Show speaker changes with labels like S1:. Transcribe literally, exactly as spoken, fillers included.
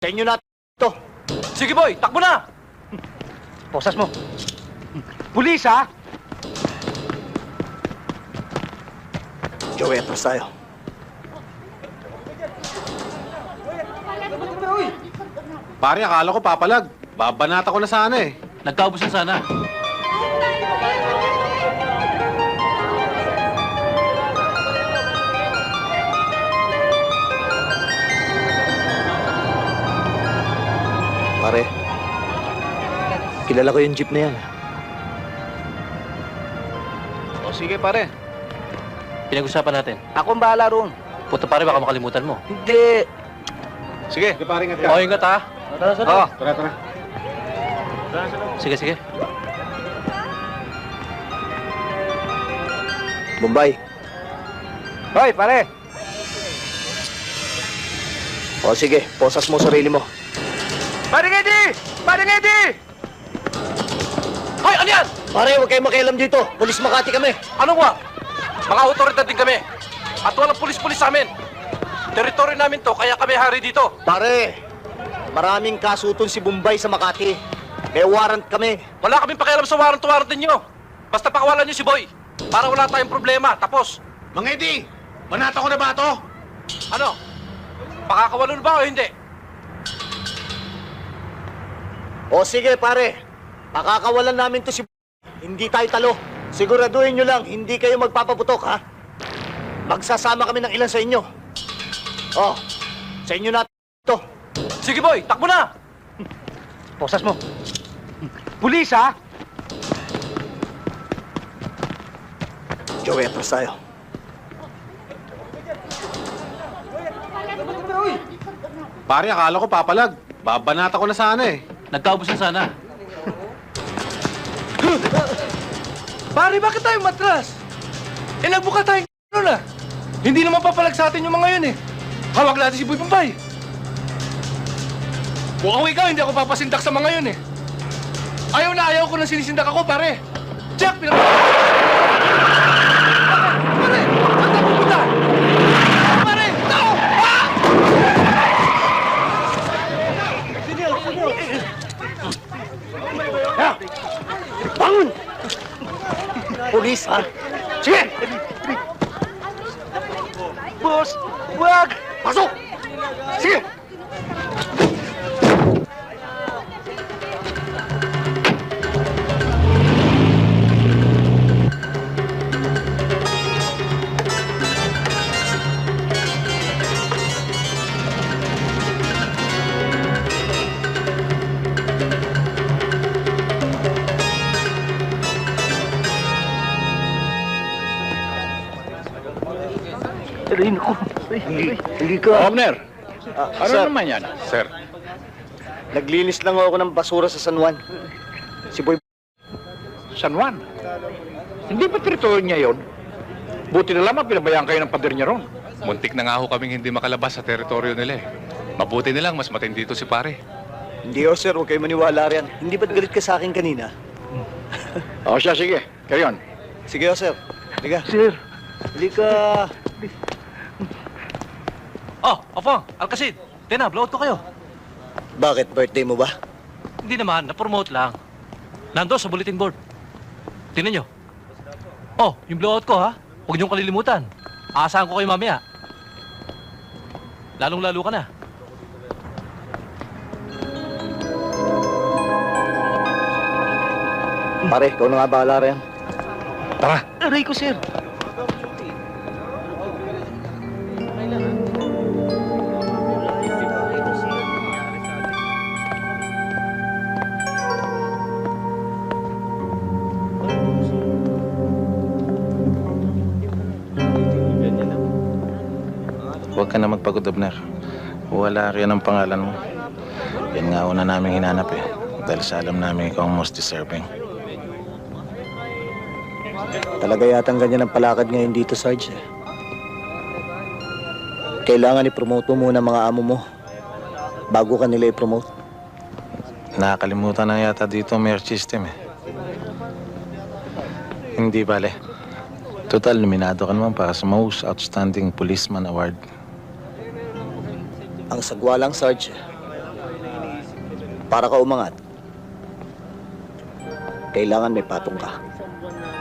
S1: Sa inyo na ito.
S2: Sige boy, takbo na!
S1: Posas mo. Pulis, ha? Joey, atras tayo.
S3: Pare, akala ko papalag. Babanata ko na sana eh.
S2: Nagkaubos na sana.
S1: Pare, kilala ko yung jeep na yan.
S2: O sige pare. Pinag-usapan natin.
S1: Ako ang bahala roon.
S2: Puta pare, baka makalimutan mo.
S1: Hindi.
S2: Sige.
S3: Sige, pare, ingat ka.
S2: O, ingat ha.
S1: Tara, tara.
S2: Oo.
S3: Tara, tara.
S2: Sige, sige.
S1: Bombay. Hoy, pare. O sige, posas mo sarili mo.
S2: Paring Eddie! Paring Eddie! Hoy, ano yan?
S1: Pare, huwag kayong makialam dito. Pulis Makati kami.
S2: Anong wa? Mga otoridad din kami. At walang pulis-pulis sa amin. Teritoryo namin to, kaya kami hari dito.
S1: Pare, maraming kasuton si Bombay sa Makati. May warrant kami.
S2: Wala kaming pakialam sa warrant-warrant ninyo. Basta pakawalan niyo si Boy. Para wala tayong problema. Tapos,
S3: Mang Eddie, banata ko na ba ito?
S2: ano? Pakakawalan ba o hindi?
S1: O sige, pare. Pakakawalan namin to si Hindi tayo talo. Siguraduhin nyo lang, hindi kayo magpapaputok, ha? Magsasama kami ng ilan sa inyo. Oh, sa inyo na ito.
S2: Sige Boy, takbo na!
S1: Posas mo. Pulis, ha? Joey, atras tayo.
S3: Pare, akala ko papalag. Babanata ko na sana eh.
S2: Nagkaubos na sana. Pare, bakit tayo matras? Eh, nagbuka tayong na. Hindi naman papalag sa atin yung mga yun eh. Hawak natin si Boy Bombay. Mukhang ikaw, hindi ako papasindak sa mga yun eh. Ayaw na ayaw ko nang sinisindak ako, pare. Check! Pinag... Pare! Pare! Saan tayo pupunta? Pare! Tao! Ah!
S1: Ha? Bangun! Pulis, ha? Sige! Boss, wag! Pasok! Sige! Rin ko. Hindi, hindi ka.
S4: Governor,
S1: Ah,
S4: ano
S1: sir,
S4: naman yan?
S3: Sir,
S1: naglinis lang ako ng basura sa San Juan. Si Boy...
S4: San Juan? Hindi ba teritoryo niya yun? Buti na lamang pinabayaan kayo ng pader niya ron.
S5: Muntik na nga ho kaming hindi makalabas sa teritoryo nila eh. Mabuti nilang mas matindi dito si pare.
S1: Hindi oh, sir. Huwag kayo maniwala riyan. Hindi ba't galit ka sa akin kanina?
S4: O siya, sige. Carry on.
S1: Sige oh, sir. Halika. Sir. Halika.
S2: Oh, Afang, Alcacid. Tena, blowout ko kayo.
S1: Bakit? Birthday mo ba?
S2: Hindi naman, na-promote lang. Nando sa bulletin board. Tingnan nyo. Oh, yung blowout ko ha. Huwag niyong kalilimutan. Aasahan ko kayo mamaya. Lalong-lalo ka na.
S1: Pare, ikaw na nga bahala riyan.
S4: Tara.
S1: Aray ko, sir.
S6: Huwag ka na magpagod, Abner. Wala riyan ang pangalan mo. Yan nga una namin hinanap eh. Dahil sa alam namin ikaw ang most deserving.
S1: Talaga yatang ganyan ang palakad ngayon dito, Sarge. eh. Kailangan i-promote mo muna mga amo mo bago ka nila i-promote.
S6: Nakakalimutan na yata dito ang merit system eh. Hindi bale. Total, nominado ka naman para sa Most Outstanding Policeman Award.
S1: Ang sagwa lang, Sarge. Para ka umangat, kailangan may patong ka.